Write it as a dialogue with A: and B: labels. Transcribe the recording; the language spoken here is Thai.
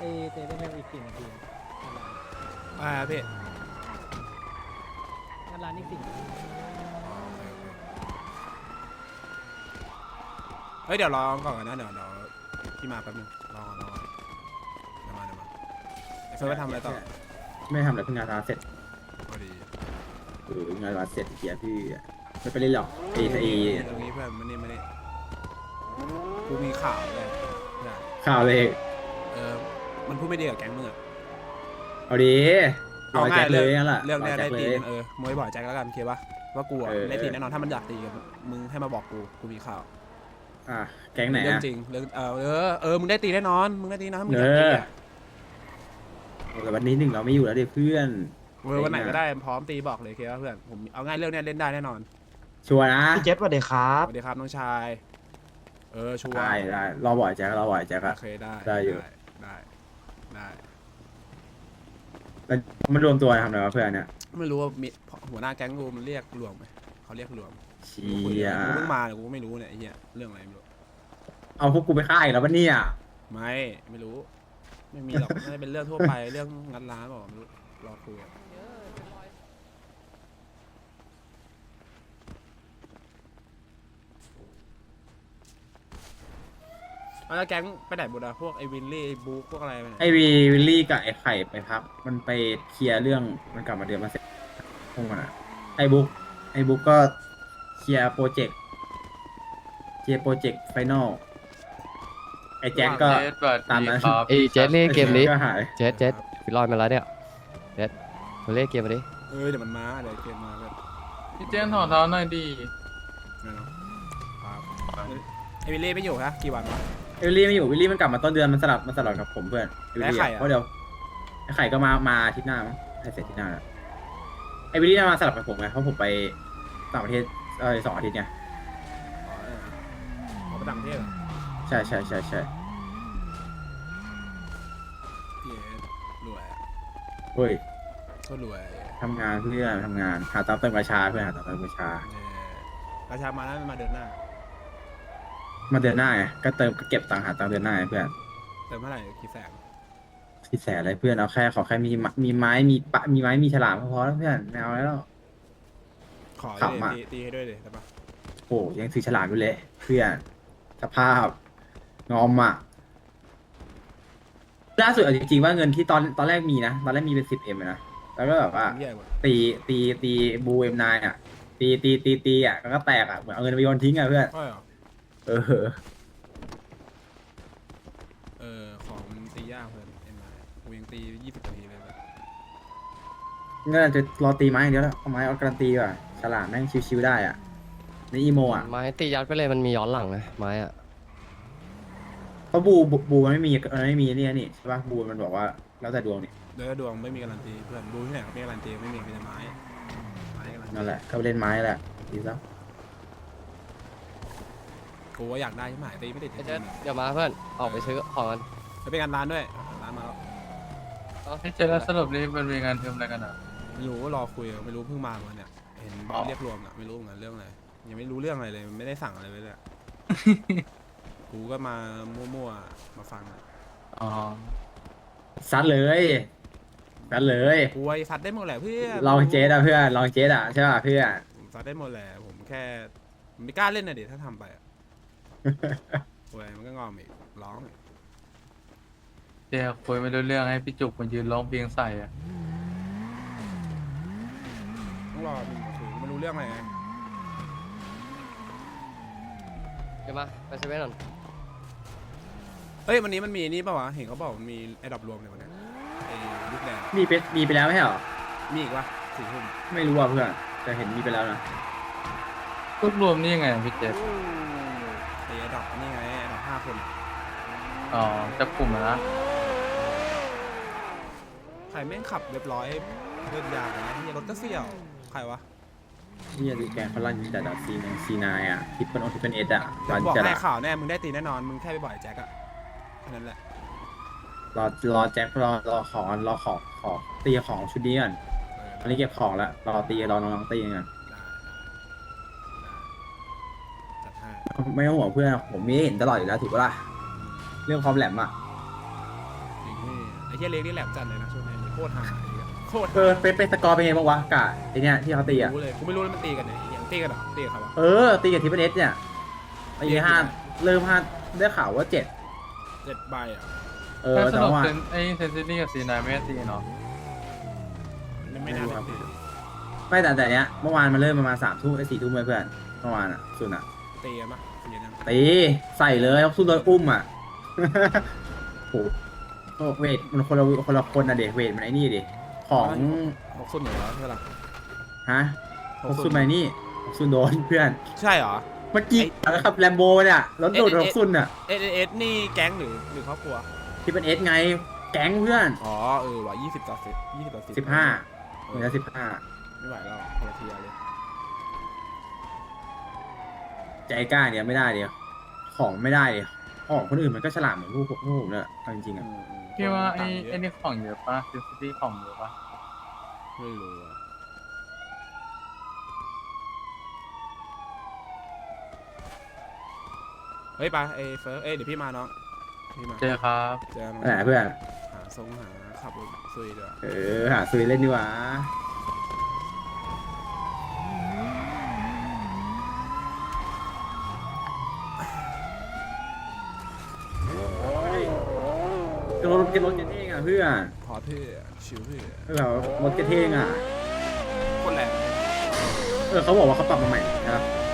A: เตะได้แค่อีก4 นาที
B: พี่
A: งานร้านอีก4 นาที
B: เฮ้ยเดี๋ยวรอก่อนนะเดี๋ยวพี่มาแป๊บนึงรอก่อนเดี๋ยวมาไอ้เฟิร์สไปทำอะไรต่อ
C: ไม่ทำอะไรเพิ่งงานร้านเสร็จ
B: พอดี
C: งานร้านเสร็จเกียร์พี่ไม่ไปเล่นหรอกไอ้
B: ตรงนี้เพื่อนมานี่กูมีข่าวเลยเพื่อน
C: ข่าวเลย
B: มันพูดไม่ดีกับแก๊งมึงอะ
C: เอาดีเอาแจ็คเลยนั่นแหละ
B: เรื่องเนี้ย
C: แจ็
B: ได้
C: คเล
B: ตี
C: ย
B: กันมวยบ่อยแจ็คแล้วกันโอเคปะว่ากูอะได้ตีแน่นอนถ้ามันอยากตีกันมึงให้มาบอกกูมีข่าว
C: แก๊งไหน
B: เรื่อง
C: อ่ะ
B: จริงเรื่องมึงได้ตีแน่นอนมึงได้ตีนะถ้ามึงอยากตีอะ
C: แต่วันนี้หนึ่งเราไม่อยู่แล้วดิเพื่อน
B: วันไหนก็ได้พร้อมตีบอกเลยโอเคปะเพื่อนผมเอาง่ายเรื่องเนี้ยเล่นได้แน่นอน
C: ชัวร์นะ
D: พี่เจษสวัสดีครั
B: ส
D: บ
B: วัสดีครับน้องชายชัวร์
C: ได้รอบ่อยแจ็ครอบ่อยแจ็คอะ
B: โอเคได้
C: ได้อยู่
B: ได้
C: แล้วมันรวมตัวทำอะไรวะเพื่อนเนี่ย
B: ไม่รู้ว่ามีหัวหน้าแก๊งกูมันเรียกรวมไหมเขาเรียกรวม
C: เชี
B: กู
C: ย
B: เพิ่งมาเนี่ยกูก็ไม่รู้เนี่ยไอ้เหี้ยเรื่องอะไรไม่รู้
C: เอาพวกกูไปฆ่าอีกแล้วปะเนี่ย
B: ไม่รู้ไม่มีหรอกน่าจะเป็นเรื่องทั่วไปเรื่องงัดร้านบอกไม่รู้รอคุยอะแล้วแก๊งไปไหนหมดอะพวกไอ้วินลี่ไอ้บุ๊กพวกอะไรไปไหน
C: ไอวิลลี่กับไอไข่ไปพักมันไปเคลียร์เรื่องมันกลับมาเดือนมาเสร็จพวกมันอะไอบุ๊กก็เคลียร์โปรเจกต์ไฟนอลไอแจ็คก็ตามนั้น
E: ไอ้เจสนี่เกมนี้
C: ก็หาย
E: เจสฟิลลอยมาแล้วเนี่ยเจสมาเล่นเกมมาดิ
B: เดี๋ยวมันมาเดี๋ยวเกมมาเลย
F: พี่เจนถอดเท้าหน่อยดี
B: ไม่เนาะครับไอ้วิลลี่ไม่อยู่ฮะกี่วันวะ
C: เอลลี่ไม่อยู่วิลลี่มันกลับมาต้นเดือนมันสลับกับผมเพื่อนเอลลี่
B: แล้วไข่อะ
C: เพราะเดี๋ยวไอไข่ก็มาอาทิตย์หน้ามั้งให้เสร็จอาทิตย์หน้าแล้วไอวิลลี่มาสลับกับผมไงเพราะผมไปต่างประเทศ2 อาทิตย์ไง
B: ไปต่างประเทศเหรอ
C: ใช่
B: พี่เอรวยอะ
C: เฮ้ย
B: ก็รวย
C: ทำงานเพื่อนทำงานหาตามเติมประชาเพื่อนหาตามเติมประชา
B: ประชามาแล้วมาเดินหน้า
C: มาเดือนหน้าไงก็เก็บตังค์หาตังค์เดือนหน้าไงเพื่อน
B: เติมเท่าไหร่กี่แสน
C: ที่แสนอะไรเพื่อนเอาแค่ขอแค่มีไม้มีฉลามก็พอแล้วเพื่อนไม่เอาแล้ว
B: ขอ
C: ขับมา
B: ตีให้ด้วยเลยได้ปะ
C: โอ้ยังถือฉลามอยู่เลยเพื่อนสภาพงอมอ่ะล่าสุดเอาจริงๆว่าเงินที่ตอนแรกมีนะตอนแรกมีเป็น10Mนะแล้วก็แบบว่า
B: ใหญ่กว่า
C: ตีบูM9อ่ะตีอ่ะแล้วก็แตกอ่ะเหมือนเอาเงินไปโยนทิ้งอ่ะเพื่อน
B: ใช่เหรอ
C: เออ
B: ของมันตียากเพื่อนเอ็มไอกูยังตี20 นาทีเลยแบบ
C: งั้นอาจจะรอตีไม้อย่างเดียวแล้วเอาไม้เอาการันตีว่ะฉลามแม่งชิวๆได้อ่ะในอีโมอ่ะ
E: ไม้ตียัดไปเลยมันมีย้อนหลังนะไม้อะ
C: เพราะบูมันไม่มีนี่ใช่ป่ะบูมันบอกว่าแล้วแต่ดวงนี่
B: เดี๋ยวดวงไม่มีการันตีเพื่อนดูที่ไหนก็ไม่การันตีไม่มีแต่ไม้การันตี
C: นั่นแหละก็ไปเล่นไม้แหละดีแล้ว
B: กูว่าอยากได้ใช่ไหมตีไม่ติด
E: ไอ้เจสเดี๋ยวมาเพื่อนออกไปซื้อของกัน
B: จะเป็นงานร้านด้วยร้านมาแล้ว
F: พี่เจนแล้วสรุปนี่มันมีงานทำอะไรกันอ่ะ
B: ไม่รู้รอคุยไม่รู้เพิ่งมาวันเนี่ยเห็นบอสเรียกรวมอ่ะไม่รู้เหมือนกันเรื่องอะไรยังไม่รู้เรื่องอะไรเลยไม่ได้สั่งอะไรเลย กูก็มามั่วๆมาฟังอ่ะ
F: อ๋อ
C: ซัดเลย
B: กูไอ้ซัดได้หมดแหละเพื่อน
C: ลองเจสอ่ะเพื่อนลองเจสอ่ะใช่ป่ะเพื่อน
B: ผมซัดได้หมดแหละผมแค่ไม่กล้าเล่นนะเดี๋ยวถ้าทำไปอ่ะโว้ยมันก็งอมอีกร้องอีก
F: เจ๊คุยไม่รู้เรื่องให้พี่จุกมายืนร้องเพลงใส่อ่ะ
B: ต้องรอมึงมาคุยไม่รู้เรื่องอะไรไง
E: เดี๋ยวมาไปเซเว่นก่อน
B: เฮ้ยวันนี้มันมีนี่ป่าวะเห็นเขาบอกมันมีไอ้ดับรวมในวันเนี้ยไอ้ยุคแดง
C: มีไปแล้วไม่ใช่เหรอ
B: มีอีกวะ4 ทุ่ม
C: ไม่รู้อ่ะเพื่อนแต่เห็นมีไปแล้วนะ
F: รวบรวมนี่ยังไงอะพี่เจน
B: ไอ้ดับนี่ไงไอ้ดับ5 คน
F: อ๋อจับกลุ่มอะนะ
B: ใครแม่งขับเรียบร้อยเดินยางนะเฮียรถก็เสี่ยวใครวะ
C: นี่ดูแกเขาลั่นจัดอ่ะC9อ่ะทิปเปิลเอสอ่ะ
B: เดี๋ยว
C: ลั่น
B: กูบอก
C: จัด
B: ให้
C: อ่ะ
B: ข่าวแน่มึงได้ตีแน่นอนมึงแค่ไปบ่อยแจ็คอะแค่นั้นแหละ
C: รอแจ็ครอของตีของชุดนี้ก่อนตอนนี้เก็บของแล้วรอน้องๆตีกัน
B: จัดให้
C: ไม่ต้องห่วงเพื่อนผมมีให้เห็นตลอดอยู่แล้วถูกปะล่ะเรื่องความแหลมอ่ะ
B: จริงพี่เหี้ยเล็กนี่แหลมจัดเลยนะช่วงนี้โคตรหาไอ้เหี้ยโคตร
C: เป็นสกอร์เป็นไงบ้างวะกะไอเนี่ยที่เขาตีอ่ะ
B: รู้เลยกูไม่รู้เลยมันตีกันเนี่ยไอ้เหี้ยตีกันเหรอตีกันเขาวะ
C: ตีกับทีเอสเนี่ยตีห้าเริ่ม5ได้ข่าวว่า7
B: 7 ใบอ่ะ
F: ถ้าส
C: แต่
F: นุก
C: ว่า
F: ไอ้เซนซิตี้กับซีนายไม่ได้ตีเนาะ
B: ไม่น่าจะตี
C: ไม่แต่เนี้ยเมื่อวานมันเริ่มประมาณ3 ทุ่ม4 ทุ่มเลยเพื่อนเมื่อวานอ่ะสุดอ่ะ
B: ตีกันปะตีกันยัง
C: ตีใส่เลยสู้โดยอุ้มอ่ะ โหเวทมันคนละคนนะเด็กเวทมันไอ้นี่ดิของ
B: 6 0 1แล้วใช่ปะล่ะ
C: ฮะ6 ซุนมานี่6 ซุนโดนเพื่อน
B: ใช่เหรอ
C: เมื่อกี้ขับแลมโบเนี่ยรถโดด6 ซุนอ่ะ
B: เอสนี่แก๊งหรือครอบครัว
C: ที่เป็นเอสไงแก๊งเพื่อน
B: อ๋อว่ะ20 ต่อ 10 20 ต่อ 10
C: 15เหมือนจะ15
B: ไม่ไหวแล้วคนละทีเลย
C: ใจกล้าเนี่ยไม่ได้เดียวของไม่ได้เดียวของคนอื่นมันก็ฉลาดเหมือนพวกผมเนี่ยเอาจริงๆอ่ะ
F: พี่ว่าไอ้นี่ของเยอะปะเซนซิตี้ของเยอะปะ
B: ไม่รู้อะเฮ้ยไปเอยเฟิร์สเดี๋ยวพี่มาน้องพี่มา
F: เจอครับ
B: เจอน้อง
C: ไหนเพื่อน
B: หาขับรถซุยด้วย
C: หาซุยเล่นดีกว่ารถเท่งอ่ะเพื่อน
B: พอเท่ชิวเท่
C: รถเท่งอ่ะ
B: คนแรง
C: เขาบอกว่าเขาปรับมาใหม่นะครับ